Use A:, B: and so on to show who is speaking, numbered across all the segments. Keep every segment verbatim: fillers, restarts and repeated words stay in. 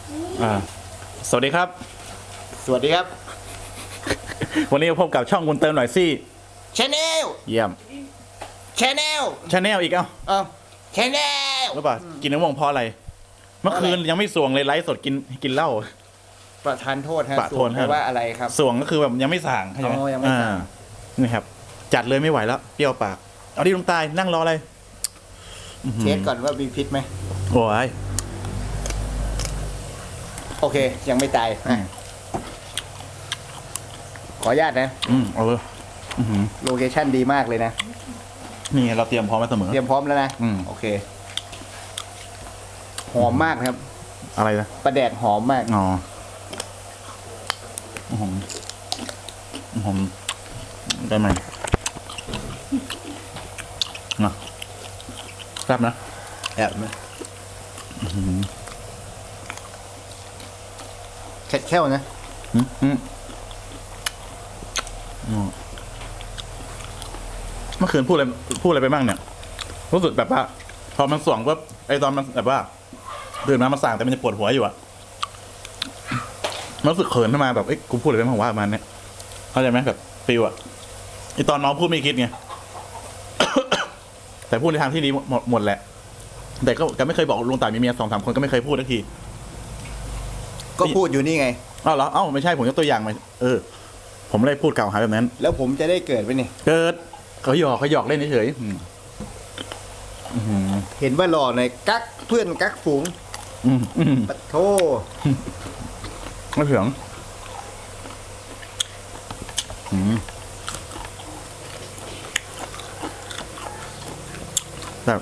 A: อ่าสวัสดีครับ
B: สวัสดีครับ
A: วันนี้พบกับช่องคุณเติมหน่อยสิ
B: ชาแนล
A: เยี่ยม
B: ชาแนล
A: ชาแนลอีกเอ้า
B: เอ้าชาแนล
A: รู้ป่ะกินน้ำมงเพราะอะไร เมื่อคืนยังไม่สวงเลยไลฟ์สดกินกินเหล้า
B: ประทานโทษฮะ
A: ประทานโทษ
B: แปลว่าอะไรครับ
A: สวงก็คือแบบยังไม่สั่งใช่ไหม
B: อ๋อยังไม่สั่ง
A: อ่านี่ครับ จัดเลยไม่ไหวแล้วเปรี้ยวปากเอาดิลุงตายนั่งรออะไร
B: เช็คก่อนว่ามีพิษไหม
A: โอ้ย
B: โอเค ยังไม่ตาย
A: อืม
B: ขออนุญาตนะ
A: อืมเอาเลยอื้อหือ
B: โลเคชั่นดีมากเลยนะ
A: นี่เราเตรียมพร้อมมาเสมอ
B: เตรียมพร้อมแล้วนะ
A: อืม
B: โอเค หอมมากนะครับ
A: อะไรนะ
B: ปลาแดกหอมมาก
A: อ๋ออื้อหืออื้อหือได้ไหมนะแซ่บนะ
B: แอบนะแค่แค่วนะ
A: อืมอืมอืมเมื่อคืนพูดอะไรพูดอะไรไปบ้างเนี่ยรู้สึกแบบว่า พอมันส่วงปุ๊บไอตอนมันแบบว่าตื่นมามันสั่งแต่มันจะปวดหัวอยู่อะมันรู้สึกเขินขึ้นมาแบบเอ้ยกูพูดอะไรไปบ้างว่ามันเนี่ยเข้าใจไหมแบบฟิลอะไอตอนน้องพูดไม่คิดไง แต่พูดในทางที่ดีหมดหมดแหละ แต่ก็ก็ไม่เคยบอกลุงต่ายมีเมียสองสามคนก็ไม่เคยพูดสักที
B: ก็พูดอยู่นี่ไง
A: อ้าวเหรอเอ้าไม่ใช่ผมยกตัวอย่างมาเออ ผมไม่ได้พูดกล่าวหาแบบนั้น
B: แล้วผมจะได้เกิดไปนี่
A: เกิดเขาหยอกเขาหยอกเล่นเฉยๆอืมอืม
B: เห็นว่าหล่อในอยกักเพื่อนกักฝูง
A: อืมอืม
B: ปะโท
A: ไม่เถียงอืมแบบ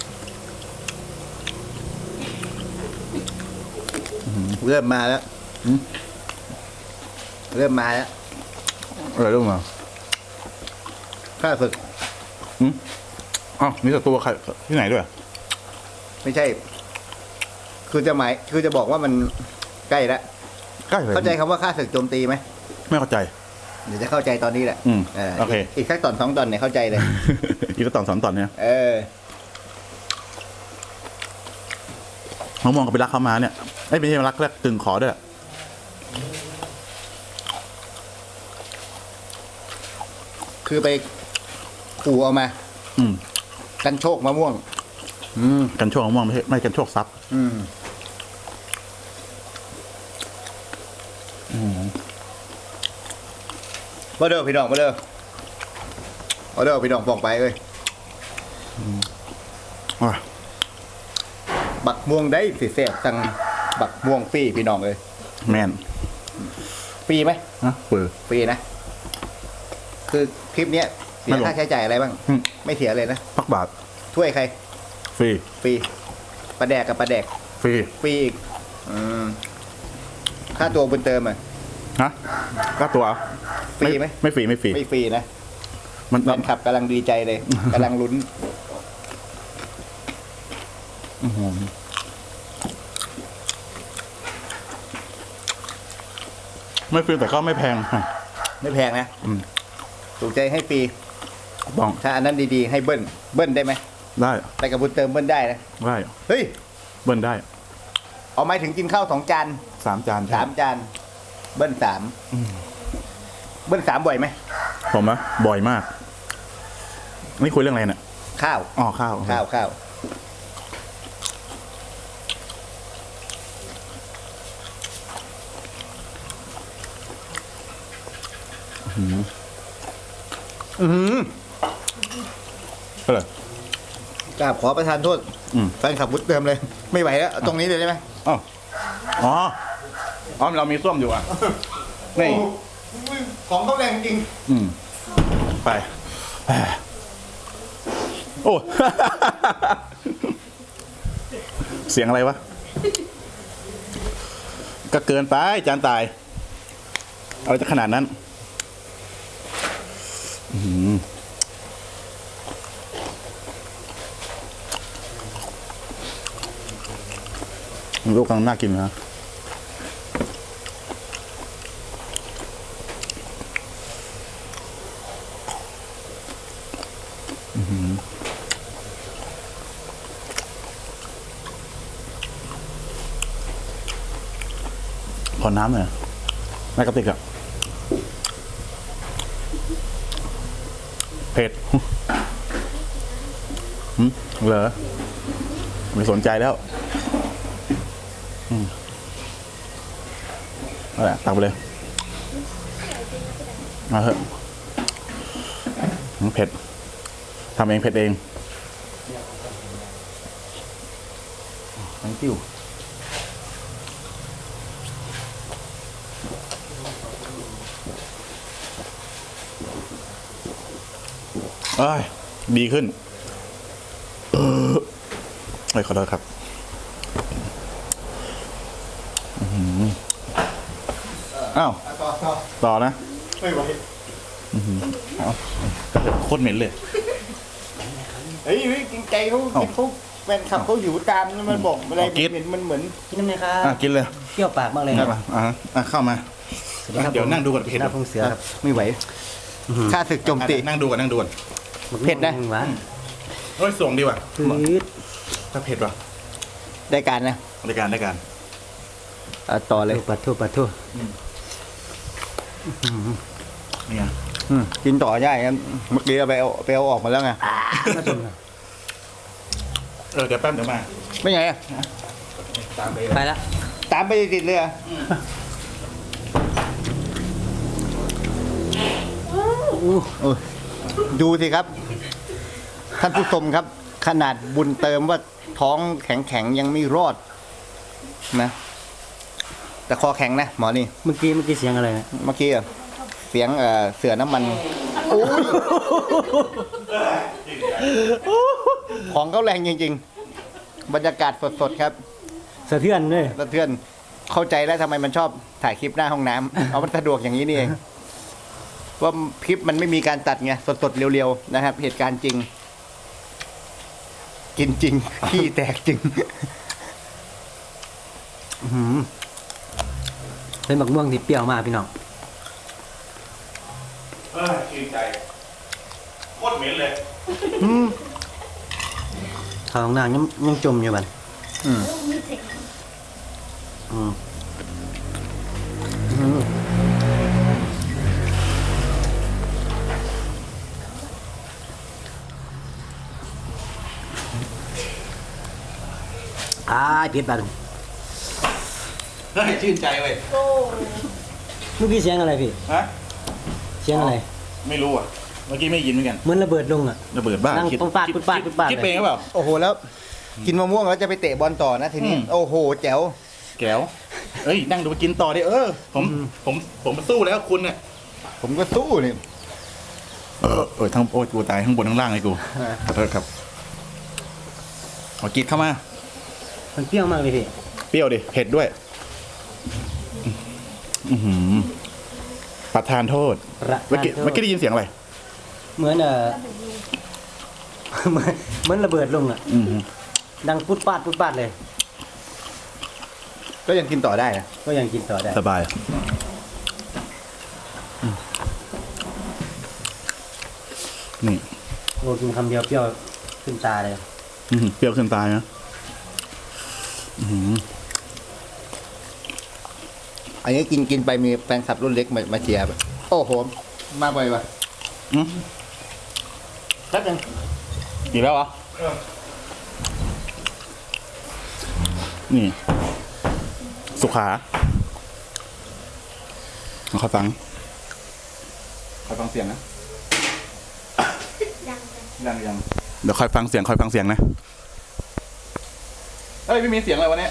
B: เริ่มมาแล้ว
A: อืม
B: เริ่มมาแล้ว
A: อะไรเรื่องมา
B: ข้าศึก
A: อืมอ้าวมีศัตรูใครที่ไหนด้วย
B: ไม่ใช่ คือจะหมาย คือจะบอกว่ามันใกล้แล้ว
A: ใกล้เลย
B: เข้าใจคำว่าข้าศึกโจมตีไหม
A: ไม่เข้าใจ
B: เดี๋ยวจะเข้าใจตอนนี้แหละ
A: อืม
B: เออ
A: โอเค
B: อีกสักตอนสองตอนเนี่ยเข้าใจเลย
A: อีกก็ตอนสอนตอนเนี่ย
B: เออ
A: เขามองกับไปรักเขามาเนี่ยไอ้ยไม่ใช่รักแรกกึ่งขอด้วย
B: คือไปขู่เอามา
A: อืม
B: กันโชคมะม่วง อืม
A: กันโชคมะม่วงไม่ใช่ไม่กันโชคทรัพย์
B: อืม
A: อืม
B: มาเด้อพี่น้องมาเด้อมาเด้อพี่น้องบอกไปเลย
A: อ่ะ
B: บักม่วงได้สิแซ่บสั่งบักม่วงฟรีพี่น้องเลย
A: แมน
B: ฟรีไหม
A: นะเปิด
B: ฟรีนะ คือคลิปเนี้ยเสี
A: ไม่
B: ย
A: หรอก
B: ค่าใช้จ่ายอะไรบ้าง
A: อืม
B: ไม่เสียเลยนะ
A: พักบาท
B: ถ้วยใคร
A: ฟรี
B: ฟรีปลาแดกกับปลาแดก
A: ฟรี
B: ฟรีอีกอืมค่าตัวบุญเติมอ่ะ
A: ฮะก็ตัว
B: ฟรีไหม
A: ไม่ฟรีไม่ฟรี
B: ไม่ฟรีนะ
A: มัน
B: แฟนคลับกำลังดีใจเลย กำลังลุ้น
A: อื้อหือไม่ฟรีแต่ก็ไม่แพงฮะ
B: ไม่แพงนะ
A: อืม
B: ถูกใจให้ฟรี
A: บ้อง
B: ถ้าอันนั้นดีๆให้เบิ้ลเบิ้ลได้ไหม
A: ได้
B: แต่กับบุญเติมเบิ้ลได้นะ
A: ได้
B: เฮ้ย
A: เบิ้ลได้
B: เอาหมายถึงกินข้าวสองจาน
A: สามจานใช่
B: สามจาน เบิ้ลสามเบิ้ลสามบ่อยไหม
A: ผมอะบ่อยมาก นี่คุยเรื่องอะไรเนี่ย
B: ข้าว
A: อ๋อข้าว
B: ข้าวข้าวอือหือ
A: ก็เลย
B: กราบขอประทานโทษ
A: อืม
B: แฟนขับวุฒิเติมเลย ไม่ไหวแล้วเอาตรงนี้เลยได้ไหม
A: อ๋ออ๋ออ๋อเรามีส้วมอยู่อ่ะ นี่
B: ของเขาแรงจริง
A: อืม ไป โอ้ เสียงอะไรวะ ก็เกินไปจานตาย เอาจะขนาดนั้น อื้อหือลูกกำลังน่ากินนะขอน้ำหน่อยในกระติกอะเผ็ดหืมเหรอไม่สนใจแล้วอืมเอาละตักไปเลยเอาเถอะเผ็ดทำเองเผ็ดเองทั้งติ้วเอ้ยดีขึ้นเออเอ้ยขอโทษครับอื้อหืออ้าว
B: ต่อต่อ
A: ต่อนะ
B: ไม่ไหว
A: เอาโคตรเหม็นเลย
B: เฮ้ยจริงใจเขา
A: เอ้า
B: เขาแฟนคลับเขาอยู่ตามมันบอกอะไร
A: เอากิ๊ด
B: เห็นมันเหมือน
C: กินน้ำไหมครับ
A: อ่ะกินเลย
C: เปรี้ยวปากมากเลยค
A: ได้
C: รับ
A: ป่ะอ่ะอ่ะเข้ามา
C: สวัสดีครับ
A: เดี๋ยว
C: ผม
A: นั่งดูก่อนเผ็ด
C: หน้าพงเสือครับ
B: ไม่ไหวข้าศึกโจมตี
A: นั่งดูก่อนนั่งดูก่อน
B: เผ็ดนะ
C: หวาน
A: เฮ้ยส่งดีว่ะ
C: พืด
A: ถ้าเผ็ดว่ะ
B: ได้การนะ
A: รายการรายการ
B: เอาต่อเลย
C: ปัดทั่วปัดทั่ว
A: เนี่ย
B: อืมกินต่อได้ครับเมื่อกี้เอาไปเอาไปเอาออกมาแล้วไง
C: น่าชมครับ
A: เออเดี๋ยวแป๊บเดี๋ยวมา
B: ไม่ไงอะ
A: ตามไป
C: ไปละ
B: ตามไปติดเลยอะโอ้ยดูสิครับ ท่านผู้ชมครับ ขนาดบุญเติมว่าท้องแข็งๆยังไม่รอดนะแต่คอแข็งนะหมอนี่
C: เมื่อกี้เมื่อกี้เสียงอะไรนะ
B: เมื่อกี้อะเสียงเอ่อเสือน้ำมันโอ้ยของเขาแรงจริงๆ บรรยากาศสดๆครับ
C: สะเทือนเลย
B: สะเทือนเข้าใจแล้วทำไมมันชอบถ่ายคลิปหน้าห้องน้ำ เอามันสะดวกอย่างนี้นี่เองว่าคลิปมันไม่มีการตัดไงสดๆเร็วๆนะครับ เหตุการณ์จริง กินจริง ขี้แตกจริง
C: อื้อหือเป็นบักม่วงที่เปรี้ยวมากพี่น้อง
A: เออชื่นใจโคตรเหม็นเลย
C: ข้าวของนางยังยังจมอยู่บัน
B: อืม
C: อืม
B: อืม
C: อ่าเผ็ดบัน
A: เฮ้ยชื่นใจเว้ย
C: เมื่อกี้เสียงอะไรพี่
A: ฮะ
C: เสียงอะไร
A: ไม่รู้อ่ะเมื่อกี้ไม่ยินเหมือนกัน
C: เหมือนระเบิดลงอ่ะ
A: ระเบิดบ้า
C: นั่ง
A: คิด
C: ปุ๊บปาด
A: คิ
C: ปุ๊บปาด
A: คิ
C: ปุ๊บปาด
A: คิดไปเองหรือเปล่า
B: โอ้โหแล้ว กินมะม่วงแล้วจะไปเตะบอลต่อนะทีนี้
A: อืม
B: โอ้โห แจ๋ว
A: แก้วเอ้ยนั่งดูกินต่อดิเออ ผมผมผมมาสู้แล้วคุณเนี่ย
B: ผมก็สู้นี่
A: เออเออทั้งโอ้ยกูตายทั้งบนทั้งล่างเลยกูขอโทษครับเอากินเข้ามา
C: มันเปรี้ยวมากเลยพี่
A: เปรี้ยวดิเผ็ดด้วย อือหือประทานโทษ
C: ประ
A: เมื่อกี้
C: ทานโทษ
A: เมื่อกี้ได้ยินเสียงอะไร
C: เหมือนเอ่อ เหมือนเหมือนระเบิดลงอ่ะ
A: อือหือ
C: ดังปุ๊บปาดปุ๊บปาดเลย
B: ก็ยังกินต่อได้นะ
C: ก็ยังกินต่อได้
A: สบายอืมนี่
C: โอ้กินคำเดียวเปรี้ยวขึ้นตาเลย
A: อือหือเปรี้ยวขึ้นตายนะอือหือ
B: อันนี้กินกินไปมีแฟนคลับรุ่นเล็กมามาเชียร์แบบโอ้โห มาบ่อยว่ะ
A: อืม
B: แป๊บนึง
A: อีกแล้วเหรอนี่ สุขาขอฟังขอฟังเสียงนะยังยังเดี๋ยวคอยฟังเสียงคอยฟังเสียงนะเฮ้ยไม่มีเสียงอะไรวะเนี่ย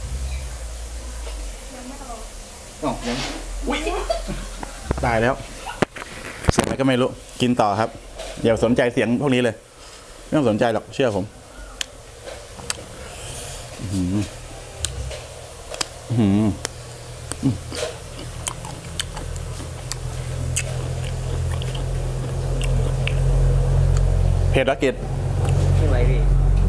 A: อ๋อยังอุ้ยตายแล้ว เสียงอะไรก็ไม่รู้ กินต่อครับ อย่าสนใจเสียงพวกนี้เลย ไม่ต้องสนใจหรอกเชื่อผมอื้อหืออื้อหืออืมเผ็ดละเกด
C: ไม่ไหวพี่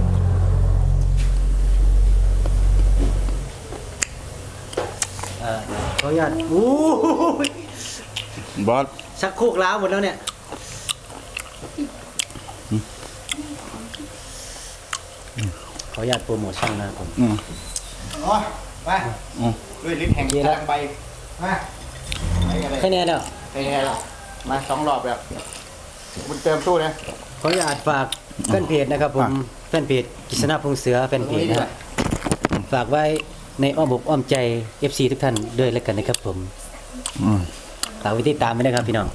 C: เอ่อขออนุญาตอู้ย
A: บอส
C: ชักโครกล้าวหมดแล้วเนี่ยขออนุญาตโปรโมชั่นนะครับผม
A: อืม
B: อ๋อมา
A: อืม
B: ด้วยลิ้นแห่งกำลังใบมาไปกันเลย
C: แค่นี้แล้ว
B: ไปไงล่ะมาสองรอบแบบบุญเติมสู้นะ
C: ขออนุญาตฝากแฟนเพจนะครับผมแฟนเพจกิษณะพงษ์เสือแฟนเพจนะครับฝากไว้ในอ้อมอกอ้อมใจ เอฟ ซี ทุกท่านด้วยแล้วกันนะครับผม
A: อืม
C: ฝากไว้ติดตามไว้นะครับพี่น้อง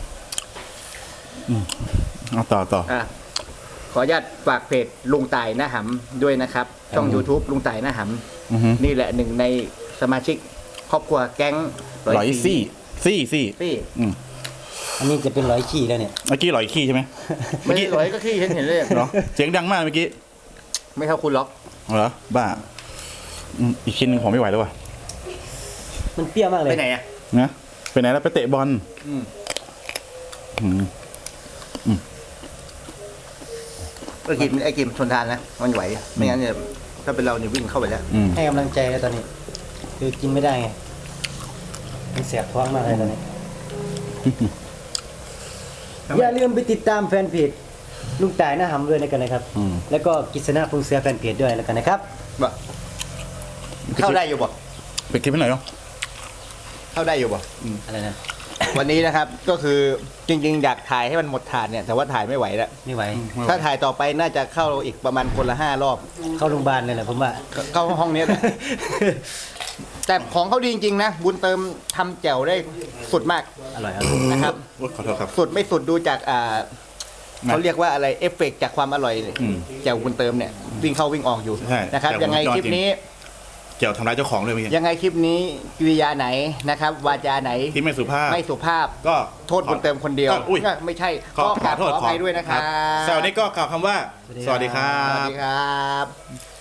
A: เอาต่อต่อ
B: อ่ะขออนุญาตฝากเพจลุงต่ายหน้าหำด้วยนะครับ ช่อง YouTube ลุงต่ายหน้าห
A: อือฮึ
B: ำนี่แหละหนึ่งในสมาชิกครอบครัวแก๊ง
A: ร้อยซี่ซี่ซี่
B: ซี่
A: อืม
C: อันนี้จะเป็นร้อยขี้แล้วเนี่ย
A: เมื่อกี้ร้อยขี้ใช่ไหม
B: ไม่
A: เมื่อ
B: ได้
A: กี้
B: ร้อยก็ขี้เห็นเห็นเลย
A: เหรอเสียงดังมากเมื่อกี้
B: ไม่เท่าคุณล็อก
A: เหรอบ้าอืมอีกชิ้นหนึ่งผมไม่ไหวแล้วว่ะ
C: มันเปรี้ยวมากเลย
B: ไปไหนอ่ะ
A: นะไปไหนแล้วไปเตะบอล
B: อืม
A: อืม
B: ไอ้กิมไอ้กิมชนทานนะมันไหวไม่งั้นเนี่ยถ้าเป็นเราเนี่ยวิ่งเข้าไปแล้ว
A: อืม
C: ให้กำลังใจแล้วตอนนี้ คือกินไม่ได้ไงมันแสบท้องมากเลยตอนนี้ อย่าลืมไปติดตามแฟนเพจลุงต่ายหน้าหำด้วยนะกันนะครับ
A: อืม
C: แล้วก็กิษณะพงษ์เสือแฟนเพจด้วยแล้วกันนะครับ
B: บ่เข้าได้อยู่บ่
A: ไปคลิปให้หน่อยเนาะ
B: เข้าได้อยู่บ่
C: อะไรนะ
B: วันนี้นะครับก็คือจริงๆอยากถ่ายให้มันหมดถาดเนี่ยแต่ว่าถ่ายไม่ไหวแล้ว
C: ไม่ไหว
B: ถ้าถ่ายต่อไปน่าจะเข้าอีกประมาณคนละห้ารอบ
C: เข้าโรงพยาบาลเลยแหละผมว่า
B: เข้าห้องนี้แหละ แต่ของเขาดีจริงๆนะ บุญเติมทำแจ่วได้สุดมาก
C: อร่อยอร่อย
B: นะครับ
A: โอ๊ยขอโทษครับ
B: สุดไม่สุดดูจากอ่า
A: นะ
B: เขาเรียกว่าอะไรเอฟเฟกต์จากความอร่อย
A: อืม
B: แจ่วบุญเติมเนี่ยวิ่งเข้าวิ่งออกอยู่
A: ใช่
B: นะครับ
A: แจ่ว
B: ยังไง
A: วงจร
B: คลิป
A: จริง
B: นี้
A: เกี่ยวทำร้ายเจ้าของเลยเมื่อกี้
B: ยังไงคลิปนี้กิริยาไหนนะครับ วาจาไหน
A: ที่ไม่สุภาพ
B: ไม่สุภาพ
A: ก็
B: โทษบุญเติมคนเดียว
A: อุ้ย
B: ไม่ใช่
A: ขอ
B: ก็
A: ข
B: ก
A: อ
B: ราบ
A: โทษ
B: ขออภัยด้วยนะครับ
A: แซวนี้ก็กล่าวคำว่า สวัสดีครั
B: สวัส
A: บ
B: ดีครับ